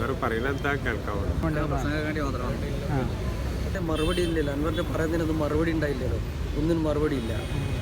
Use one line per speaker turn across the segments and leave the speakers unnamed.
മറുപടി ഇല്ലല്ലോ, അൻവറിന്റെ പറയുന്നതിനൊന്നും മറുപടി ഉണ്ടായില്ലല്ലോ, ഒന്നിനും മറുപടി ഇല്ല.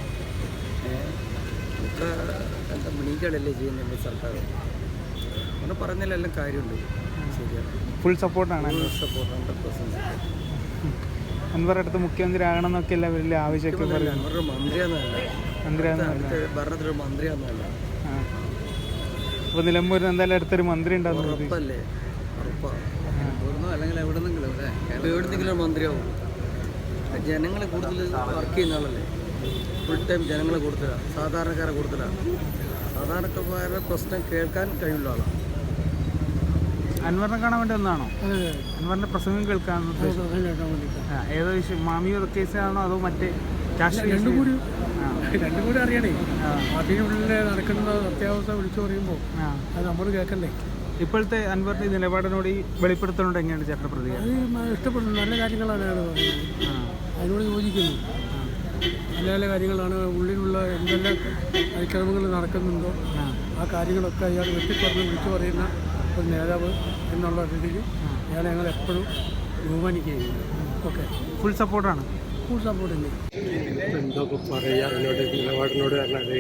ഇത്ര എന്താ മണികളല്ലേ ചെയ്യുന്നുണ്ട് സർക്കാർ, അങ്ങനെ പറഞ്ഞതിലെല്ലാം കാര്യമുണ്ട്. ശരിയാണ്,
ഫുൾ സപ്പോർട്ടാണ്.
ഫുൾ സപ്പോർട്ട്, 100%
അൻവർ അടുത്ത് മുഖ്യമന്ത്രി ആകണം എന്നൊക്കെ അല്ല വലിയ ആവശ്യമൊക്കെ പറയും.
അൻവർ മന്ത്രിയാന്നല്ല, ഭരണത്തിലൊരു മന്ത്രിയാന്നല്ല.
അപ്പോൾ നിലമ്പൂരിൽ എന്തായാലും അടുത്തൊരു മന്ത്രി ഉണ്ടാകും,
ഉറപ്പല്ലേ? ഉറപ്പാണ്, അല്ലെങ്കിൽ എവിടെന്നെങ്കിലും മന്ത്രിയാവും. ജനങ്ങളെ കൂടുതൽ വർക്ക് ചെയ്യുന്ന ആളല്ലേ, ഫുൾ ടൈം ജനങ്ങളെ കൂടുതലാണ്, സാധാരണക്കാരെ കൂടുതലാണ്. സാധാരണക്കാരുടെ പ്രശ്നം കേൾക്കാൻ കഴിയുള്ള ആളാണ്.
അൻവറിനെ കാണാൻ വേണ്ടി ഒന്നാണോ? അൻവറിന്റെ പ്രസംഗം കേൾക്കാൻ ഏതോ മാമിയോ കേസാണോ അതോ മറ്റേ രാഷ്ട്രീയ?
രണ്ടും കൂടി അറിയണേ. പാർട്ടിയുടെ നടക്കുന്ന അത്യാവശ്യം വിളിച്ചു പറയുമ്പോൾ അത് നമ്മൾ കേൾക്കണ്ടേ.
ഇപ്പോഴത്തെ അൻവറിന്റെ നിലപാടിനോട് ഈ വെളിപ്പെടുത്തലോട് എങ്ങനെയാണ് ചേട്ടൻ്റെ പ്രതികരണം?
അത് ഇഷ്ടപ്പെടുന്നു, നല്ല കാര്യങ്ങളാണ് അയാൾ പറയുന്നത്, അതിനോട് യോജിക്കുന്നു. നല്ല നല്ല കാര്യങ്ങളാണ്, ഉള്ളിലുള്ള എന്തെല്ലാം അതിക്രമങ്ങൾ നടക്കുന്നുണ്ടോ ആ കാര്യങ്ങളൊക്കെ അയാൾ വെട്ടിപ്പറഞ്ഞ് വിളിച്ചു പറയുന്ന ഒരു നേതാവ് എന്നുള്ള രീതിയിൽ അയാളെ ഞങ്ങൾ എപ്പോഴും ബഹുമാനിക്കുകയും. ഓക്കെ,
ഫുൾ സപ്പോർട്ടാണ്.
ഫുൾ സപ്പോർട്ട് ഉണ്ട്.
എന്തൊക്കെ പറയുക അതിനോട്, നിലപാടിനോട് പറഞ്ഞാൽ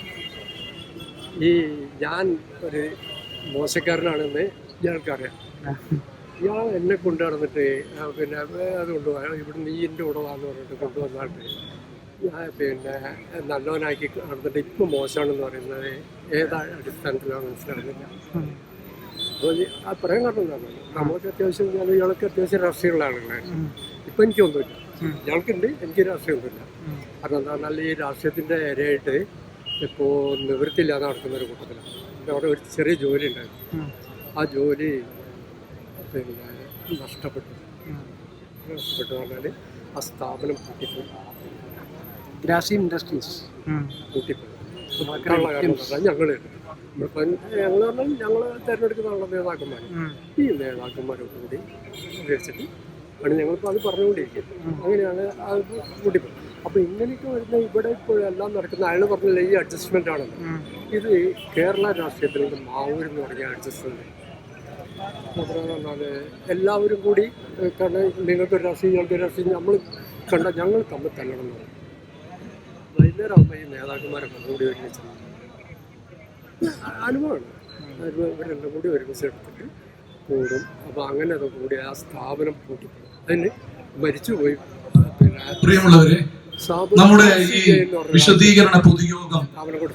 ഈ ഞാൻ ഒരു മോശക്കാരനാണെന്ന് ഇയാൾക്കറിയാം. ഇയാൾ എന്നെ കൊണ്ടു നടന്നിട്ട് പിന്നെ അത് കൊണ്ടുപോകാം, ഇവിടുന്ന് ഈ എൻ്റെ കൂടെ വാന്ന് പറഞ്ഞിട്ട് കൊണ്ടുവന്നിട്ട് ഞാൻ പിന്നെ നല്ലവനാക്കി നടന്നിട്ട് ഇപ്പം മോശമാണെന്ന് പറയുന്നത് ഏതാ അടിസ്ഥാനത്തിലാണ് മനസ്സിലാകുന്നില്ല. അപ്പോൾ ആ പറയാൻ കാരണം എന്താണ്, നമ്മൾക്ക് അത്യാവശ്യം ഇയാൾക്ക് അത്യാവശ്യം രാഷ്ട്രീയമുള്ള ആളുകളാണ്. ഇപ്പം എനിക്കൊന്നുമില്ല, ഇയാൾക്കുണ്ട്, എനിക്ക് രാഷ്ട്രീയമൊന്നുമില്ല. കാരണം എന്താ പറഞ്ഞാൽ ഈ രാഷ്ട്രീയത്തിൻ്റെ ഇരയായിട്ട് ഇപ്പോൾ നിവൃത്തിയില്ലാതെ നടക്കുന്ന ഒരു കൂട്ടത്തിലാണ്. അവിടെ ഒരു ചെറിയ ജോലി ഉണ്ടായിരുന്നു, ആ ജോലി പിന്നെ നഷ്ടപ്പെട്ടു പറഞ്ഞാൽ ആ സ്ഥാപനം പൂട്ടിപ്പോയി. ഗ്രാസിം ഇൻഡസ്ട്രീസ് പൂട്ടിപ്പോയി. മറ്റുള്ള കാരണം പറഞ്ഞാൽ ഞങ്ങൾ പറഞ്ഞാൽ ഞങ്ങൾ തിരഞ്ഞെടുക്കുന്ന നേതാക്കന്മാർ, ഈ നേതാക്കന്മാരൊക്കെ കൂടി ഉപയോഗിച്ചിട്ട് ആണ് ഞങ്ങളിപ്പോൾ അത് പറഞ്ഞുകൊണ്ടിരിക്കുന്നത്. അങ്ങനെയാണ് അത് പൂട്ടിപ്പോയി. അപ്പോൾ ഇങ്ങനെയൊക്കെ വരുന്ന ഇവിടെ ഇപ്പോൾ എല്ലാം നടക്കുന്ന അയാൾ പറഞ്ഞില്ല ഈ അഡ്ജസ്റ്റ്മെൻ്റ് ആണെന്ന്. ഇത് കേരള രാഷ്ട്രീയത്തിലുള്ള മാവൂരെന്ന് പറഞ്ഞ അഡ്ജസ്റ്റ്മെൻറ്റ് മാത്രമെന്ന് പറഞ്ഞാൽ എല്ലാവരും കൂടി കാരണം നിങ്ങൾക്കൊരു രാഷ്ട്രീയം ഞങ്ങൾക്ക് രാഷ്ട്രീയം നമ്മൾ കണ്ട ഞങ്ങൾ തമ്മിൽ തല്ലണം എന്ന് പറയും. വൈകുന്നേരം ആകുമ്പോൾ ഈ നേതാക്കന്മാരൊക്കെ കൂടി ഒരുമിച്ച് അനുഭവമാണ്. ഇവരെല്ലാം കൂടി ഒരുമിച്ച് എടുത്തിട്ട് കൂടും. അപ്പോൾ അങ്ങനെ അത് കൂടി ആ സ്ഥാപനം പൂട്ടിപ്പോയി, അതിന് മരിച്ചുപോയി.
പ്രിയമുള്ളവരെ, നമ്മുടെ ഈ വിശദീകരണ പൊതുയോഗം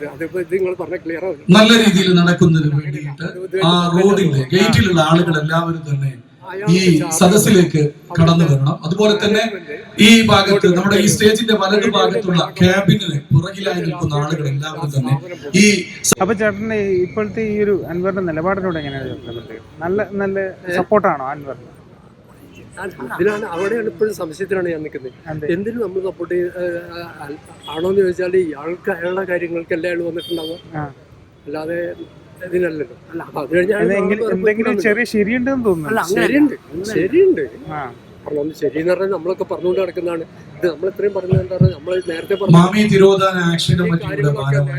നല്ല രീതിയിൽ നടക്കുന്നതിന് വേണ്ടിയിട്ട് ആ റോഡിന്റെ ഗേറ്റിലുള്ള ആളുകൾ എല്ലാവരും തന്നെ ഈ സദസ്സിലേക്ക് കടന്നു വരണം. അതുപോലെ തന്നെ ഈ ഭാഗത്ത് നമ്മുടെ ഈ സ്റ്റേജിന്റെ വലതു ഭാഗത്തുള്ള ക്യാബിനിന് പുറകിലായി നിൽക്കുന്ന ആളുകൾ എല്ലാവരും തന്നെ ഈ.
അപ്പൊ ചേട്ടന്റെ ഇപ്പോഴത്തെ ഈ ഒരു അൻവറിന്റെ നിലപാടിനോട് എങ്ങനെയാണ്? നല്ല സപ്പോർട്ടാണോ അൻവറിന്?
ഇതിനാണ് അവിടെയാണ് ഇപ്പോഴും സംശയത്തിലാണ് ഞാൻ നിൽക്കുന്നത്. എന്തിനും നമ്മൾ സപ്പോർട്ട് ആണോന്ന് ചോദിച്ചാൽ ഇയാൾക്ക് അയാളുടെ കാര്യങ്ങൾക്കല്ലേ അയാൾ വന്നിട്ടുണ്ടാവുക, അല്ലാതെ ഇതിനല്ലല്ലോ. അത്
കഴിഞ്ഞാൽ ചെറിയ ശരിയുണ്ടെന്ന് തോന്നുന്നു.
ശരിയുണ്ട് കാരണം ഒന്ന് ശരിയെന്ന് പറഞ്ഞാൽ നമ്മളൊക്കെ പറഞ്ഞുകൊണ്ട് നടക്കുന്നതാണ്. ഇത് നമ്മൾ ഇത്രയും പറഞ്ഞത് എന്താ പറഞ്ഞാൽ നമ്മൾ നേരത്തെ
മാമി തിരോധാന ആക്ഷൻ കമ്മിറ്റിയുടെ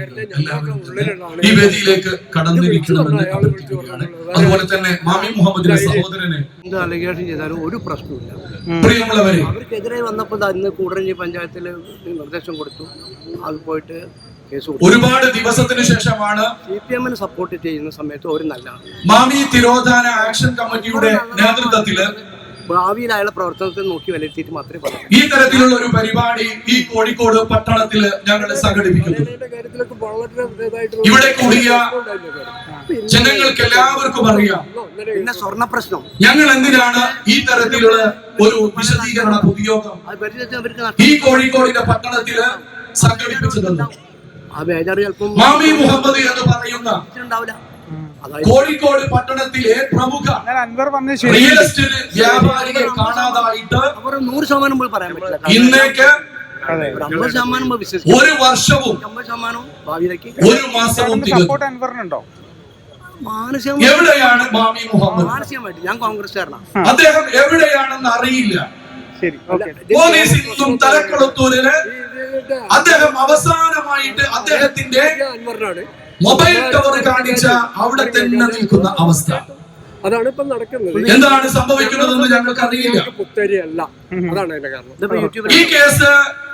ഈ വേദിയിലേക്ക് കടന്നിരിക്കണമെന്ന് അഭ്യർത്ഥിക്കുകയാണ്. അതുപോലെ തന്നെ മാമി മുഹമ്മദിന്റെ സഹോദരനെ
എന്ത് അലിഗേഷൻ ചെയ്താലും ഒരു പ്രശ്നമില്ല.
പ്രിയമുള്ളവരെ,
അവർക്കെതിരെ വന്നപ്പോൾ ഇന്ന് കൂടരഞ്ഞി പഞ്ചായത്തിൽ നിർദ്ദേശം കൊടുത്തു, അത് പോയിട്ട്
ഒരുപാട് ദിവസത്തിന് ശേഷമാണ്
CPM സപ്പോർട്ട് ചെയ്യുന്ന സമയത്ത് ഒരു നല്ലതാണ്.
മാമി തിരോധാന ആക്ഷൻ കമ്മിറ്റിയുടെ നേതൃത്വത്തില്
ഭാവിയിൽ അയാളെ പ്രവർത്തനത്തിൽ നോക്കി വിലയിരുത്തിയിട്ട് മാത്രമേ പറയാം.
ഈ തരത്തിലുള്ള ഒരു പരിപാടി ഈ കോഴിക്കോട് പട്ടണത്തില് ഞങ്ങൾ സംഘടിപ്പിക്കുന്നു. ഇവിടെ കൂടിയ ജനങ്ങൾക്ക് എല്ലാവർക്കും അറിയാം
പിന്നെ സ്വർണ്ണ പ്രശ്നം
ഞങ്ങൾ എന്തിനാണ് ഈ തരത്തിലുള്ള ഒരു വിശദീകരണ പൊതുയോഗം ഈ കോഴിക്കോടിന്റെ പട്ടണത്തില് സംഘടിപ്പിച്ചതെന്ന്. മാമി മുഹമ്മദ് എന്ന് പറയുന്ന കോഴിക്കോട് പട്ടണത്തിലെ പ്രമുഖ റിയൽ എസ്റ്റേറ്റ് വ്യാപാരിയെ കാണാതായിട്ട്
100% പറയാൻ പറ്റില്ല.
ഇന്നേക്ക്
50%
ഒരു വർഷവും
50%
ഒരു മാസവും എവിടെയാണ് മാമി മുഹമ്മദ്?
മാനസികമായിട്ട് ഞാൻ കോൺഗ്രസ്സുകാരനാണ്.
അദ്ദേഹം എവിടെയാണെന്ന് അറിയില്ല. പോലീസ് ഇന്നും തലക്കുളത്തൂരില് അദ്ദേഹം അവസാനമായിട്ട് അദ്ദേഹത്തിന്റെ മൊബൈൽ ടവർ കാണിച്ച അവിടെ തന്നെ നിൽക്കുന്ന അവസ്ഥ.
അതാണ് ഇപ്പം നടക്കുന്നത്.
എന്താണ് സംഭവിക്കുന്നതെന്ന് ഞങ്ങൾക്ക് അറിയില്ല.
പുത്തരിയല്ല, അതാണ് അതിന്റെ കാരണം.
ഇതിപ്പോ യൂട്യൂബിൽ
ഈ കേസ്